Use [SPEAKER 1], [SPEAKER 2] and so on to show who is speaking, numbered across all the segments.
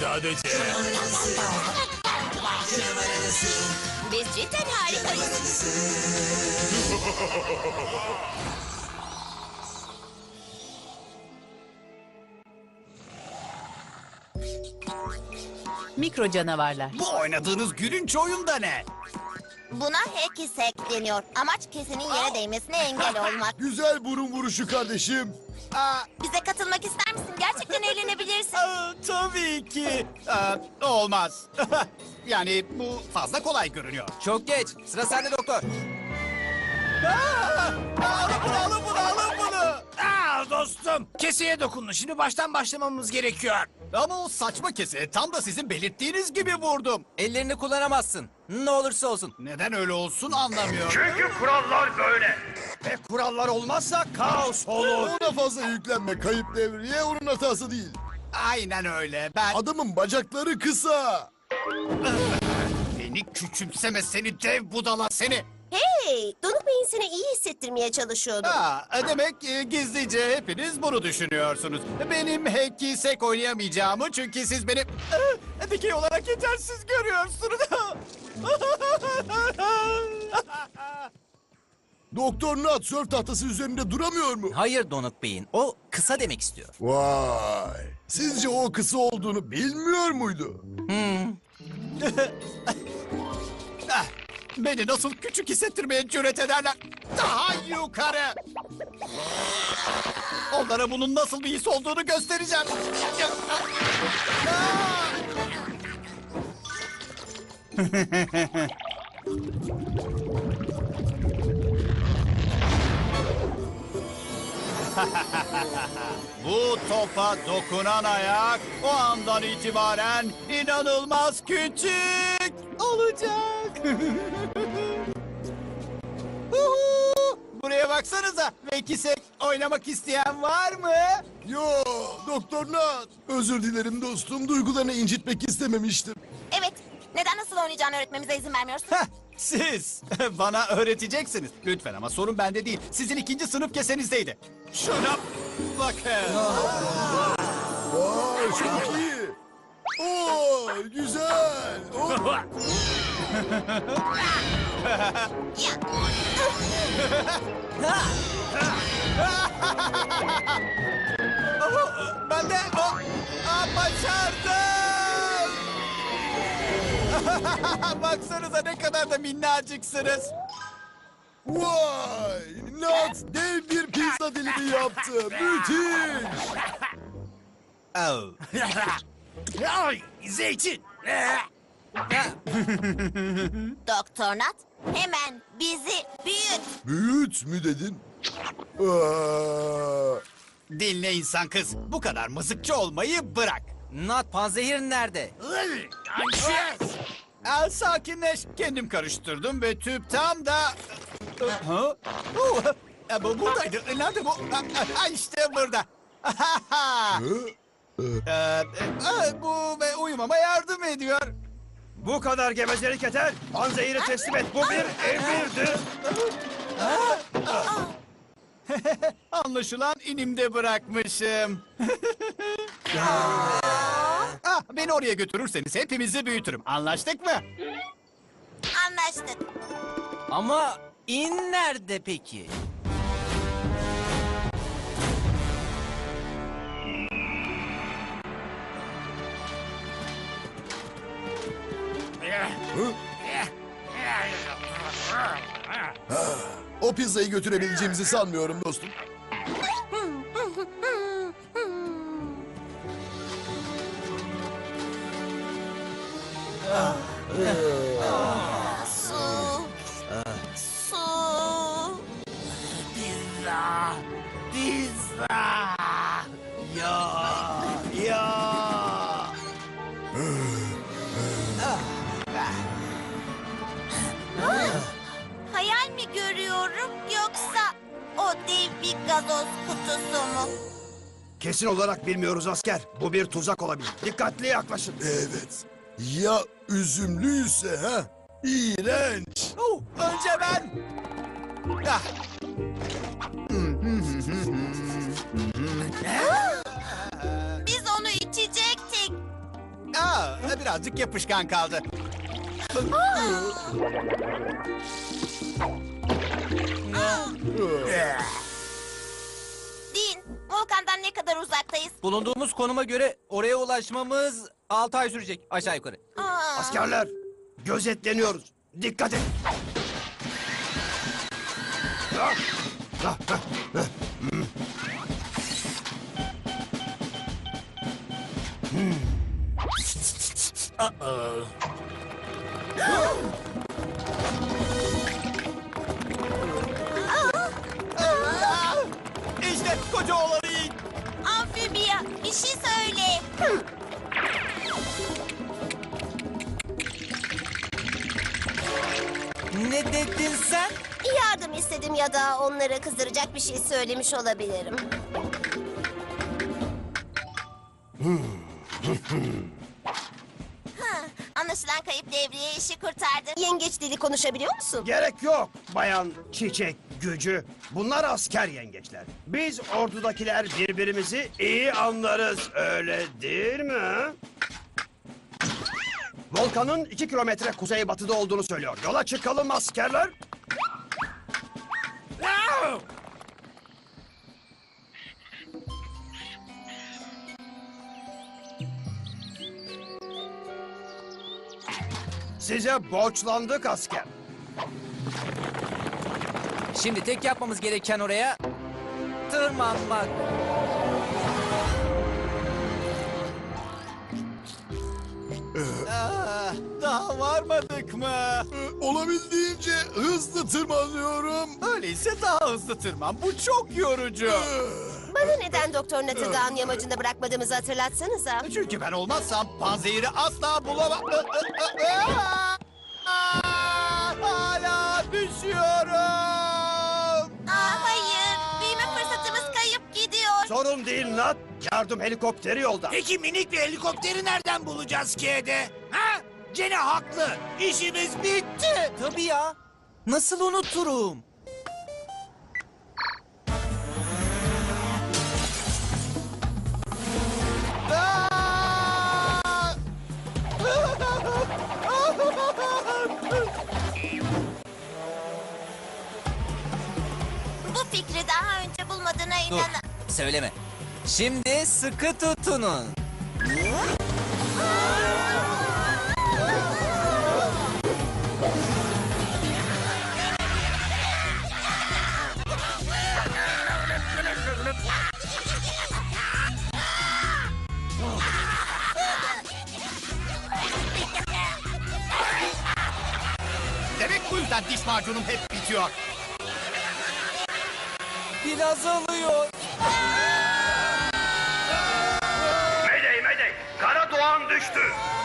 [SPEAKER 1] sadece.
[SPEAKER 2] Biz cidden harikayız.
[SPEAKER 3] Mikro canavarlar.
[SPEAKER 4] Bu oynadığınız gülünç oyunda ne?
[SPEAKER 2] Buna hacky-sack deniyor. Amaç kesinin yere değmesine engel olmak.
[SPEAKER 5] Güzel burun vuruşu kardeşim.
[SPEAKER 2] Bize katılmak ister misin? Gerçekten eğlenebilirsin.
[SPEAKER 4] Tabii ki. Olmaz. Yani bu fazla kolay görünüyor.
[SPEAKER 6] Çok geç. Sıra sende doktor.
[SPEAKER 4] Alın bunu.
[SPEAKER 1] Dostum, keseye dokunun. Şimdi baştan başlamamız gerekiyor.
[SPEAKER 4] Ama o saçma kese tam da sizin belirttiğiniz gibi vurdum.
[SPEAKER 6] Ellerini kullanamazsın. Ne olursa olsun.
[SPEAKER 4] Neden öyle olsun anlamıyorum.
[SPEAKER 1] Çünkü kurallar böyle. Ve kurallar olmazsa kaos olur.
[SPEAKER 5] Ona fazla yüklenme, kayıp devriye onun hatası değil.
[SPEAKER 4] Aynen öyle. Ben
[SPEAKER 5] Adamın bacakları kısa.
[SPEAKER 4] beni küçümseme seni dev budala seni.
[SPEAKER 2] Hey, Donuk Bey'in seni iyi hissettirmeye çalışıyordu.
[SPEAKER 4] Demek gizlice hepiniz bunu düşünüyorsunuz. Benim hacky-sack oynayamayacağımı çünkü siz beni dikey olarak yetersiz görüyorsunuz.
[SPEAKER 5] Doktor Nat sörf tahtası üzerinde duramıyor mu?
[SPEAKER 6] Hayır Donuk Bey'in. O kısa demek istiyor.
[SPEAKER 5] Vay. Sizce o kısa olduğunu bilmiyor muydu?
[SPEAKER 4] Beni nasıl küçük hissettirmeye cüret ederler? Daha yukarı. Onlara bunun nasıl bir his olduğunu göstereceğim. Bu topa dokunan ayak o andan itibaren inanılmaz küçük olacak. Buraya baksanıza. Hacky-sack oynamak isteyen var mı?
[SPEAKER 5] Yo, Doktor Nat. Özür dilerim dostum, duygularını incitmek istememiştim.
[SPEAKER 2] Evet, neden nasıl oynayacağını öğretmemize izin vermiyorsun?
[SPEAKER 4] Siz bana öğreteceksiniz. Lütfen ama sorun bende değil. Sizin ikinci sınıf kesenizdeydi. Şuna bakın.
[SPEAKER 5] Vay, çok iyi. Oo, güzel. Oo.
[SPEAKER 4] Ben de başardım. Baksanıza ne kadar da minnacıksınız.
[SPEAKER 5] Vay, Nat dev bir pizza dilimi yaptı. Müthiş.
[SPEAKER 4] Oh.
[SPEAKER 1] Ay, zeytin.
[SPEAKER 2] Doktor Nat, hemen bizi büyüt.
[SPEAKER 5] Büyüt mü dedin? Aa,
[SPEAKER 4] Dinle insan kız. Bu kadar mızıkçı olmayı bırak.
[SPEAKER 6] Nat panzehir nerede?
[SPEAKER 4] Sakinleş. Kendim karıştırdım ve tüp tam da... Ha? Bu buradaydı. Nerede bu? İşte burada.
[SPEAKER 5] hı?
[SPEAKER 4] Bu uyumama yardım ediyor.
[SPEAKER 1] Bu kadar gevezelik yeter. Panzehiri teslim et. Bu bir emirdir.
[SPEAKER 4] Anlaşılan inimde bırakmışım. Beni oraya götürürseniz hepimizi büyütürüm. Anlaştık mı?
[SPEAKER 2] Anlaştık.
[SPEAKER 6] Ama in nerede peki?
[SPEAKER 5] O pizzayı götürebileceğimizi sanmıyorum dostum.
[SPEAKER 2] Su. Su.
[SPEAKER 1] Pizza. Pizza. Ya.
[SPEAKER 2] Hayal mi görüyorum yoksa o dev bir gazoz kutusu mu?
[SPEAKER 1] Kesin olarak bilmiyoruz asker. Bu bir tuzak olabilir. Dikkatli yaklaşın.
[SPEAKER 5] Evet. Ya üzümlüyse ha? İğrenç.
[SPEAKER 4] Önce ben. Ah.
[SPEAKER 2] Biz onu içecektik.
[SPEAKER 4] birazcık yapışkan kaldı.
[SPEAKER 2] Dean, volkandan ne kadar uzaktayız?
[SPEAKER 6] Bulunduğumuz konuma göre oraya ulaşmamız 6 ay sürecek aşağı yukarı.
[SPEAKER 2] Aa,
[SPEAKER 1] Askerler, gözetleniyoruz. Dikkat et.
[SPEAKER 4] İşte koca oğlanı yiyin.
[SPEAKER 2] amfibiya, bir şey söyle.
[SPEAKER 6] Ne dedin sen?
[SPEAKER 3] Yardım istedim ya da onları kızdıracak bir şey söylemiş olabilirim.
[SPEAKER 2] Anlaşılan kayıp devriye işi kurtardı.
[SPEAKER 3] Yengeç dili konuşabiliyor musun?
[SPEAKER 1] Gerek yok bayan çiçek gücü. Bunlar asker yengeçler. Biz ordudakiler birbirimizi iyi anlarız. Öyle değil mi? Volkanın 2 kilometre kuzeybatıda olduğunu söylüyor. Yola çıkalım askerler. Size borçlandık asker.
[SPEAKER 6] Şimdi tek yapmamız gereken oraya tırmanmak.
[SPEAKER 4] Daha varmadık mı?
[SPEAKER 5] Olabildiğince hızlı tırmanıyorum.
[SPEAKER 4] Öyleyse daha hızlı tırman. Bu çok yorucu.
[SPEAKER 3] Bana neden Doktor Nat'ı dağın yamacında bırakmadığımızı hatırlatsanıza.
[SPEAKER 4] Çünkü ben olmazsam panzehiri asla bulamam. Hala düşüyorum.
[SPEAKER 2] Hayır, büyüme fırsatımız kayıp gidiyor.
[SPEAKER 1] Sorun değil Nat. Yardım helikopteri yolda.
[SPEAKER 7] Peki minik bir helikopteri nereden bulacağız K'de? Ha? Gene haklı. İşimiz bitti.
[SPEAKER 6] Tabii ya. Nasıl unuturum?
[SPEAKER 2] Bu fikri daha önce bulmadığına
[SPEAKER 6] Dur,
[SPEAKER 2] inanın.
[SPEAKER 6] söyleme. Şimdi sıkı tutunun.
[SPEAKER 4] Demek bu yüzden diş macunum hep bitiyor.
[SPEAKER 6] Pil azalıyor.
[SPEAKER 1] Mayday mayday. Kara Doğan düştü.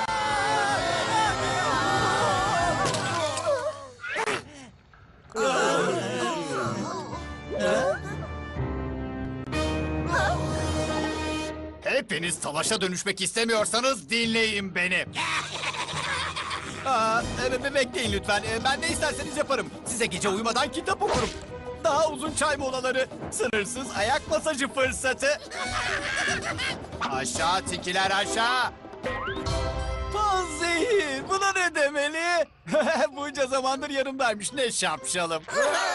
[SPEAKER 4] Hepiniz savaşa dönüşmek istemiyorsanız dinleyin beni. Bekleyin lütfen. Ben ne isterseniz yaparım. Size gece uyumadan kitap okurum. Daha uzun çay molaları, sınırsız ayak masajı fırsatı. Aşağı tikiler aşağı. Panzehir, buna ne demeli? Bunca zamandır yanımdaymış, ne şapşalım.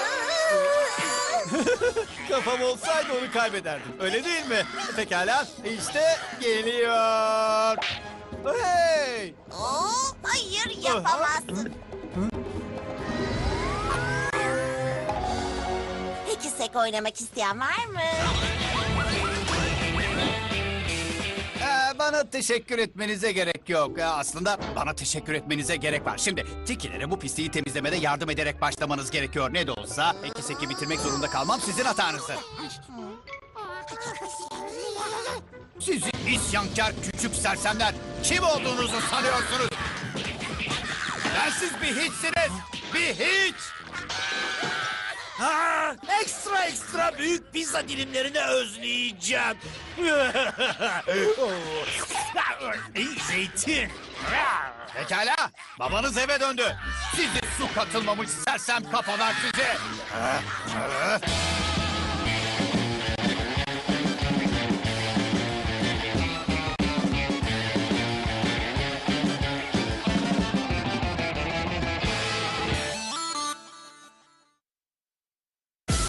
[SPEAKER 4] Kafam olsaydı onu kaybederdim, öyle değil mi? Pekala, işte geliyor. Hey!
[SPEAKER 2] Hayır, yapamazsın. Peki sek oynamak isteyen var mı?
[SPEAKER 4] Bana teşekkür etmenize gerek yok. Aslında bana teşekkür etmenize gerek var. Şimdi tikilere bu pisliği temizlemede yardım ederek başlamanız gerekiyor. Ne de olsa eki seki bitirmek zorunda kalmam sizin hatanızdır. Sizi isyankar küçük sersemler kim olduğunuzu sanıyorsunuz? Ben siz bir hiçsiniz. Bir hiç.
[SPEAKER 7] Ha, ekstra büyük pizza dilimlerini özleyeceğim. Zeytin.
[SPEAKER 4] Pekala. Babanız eve döndü. Sizi su katılmamış sersem kafalar sizi.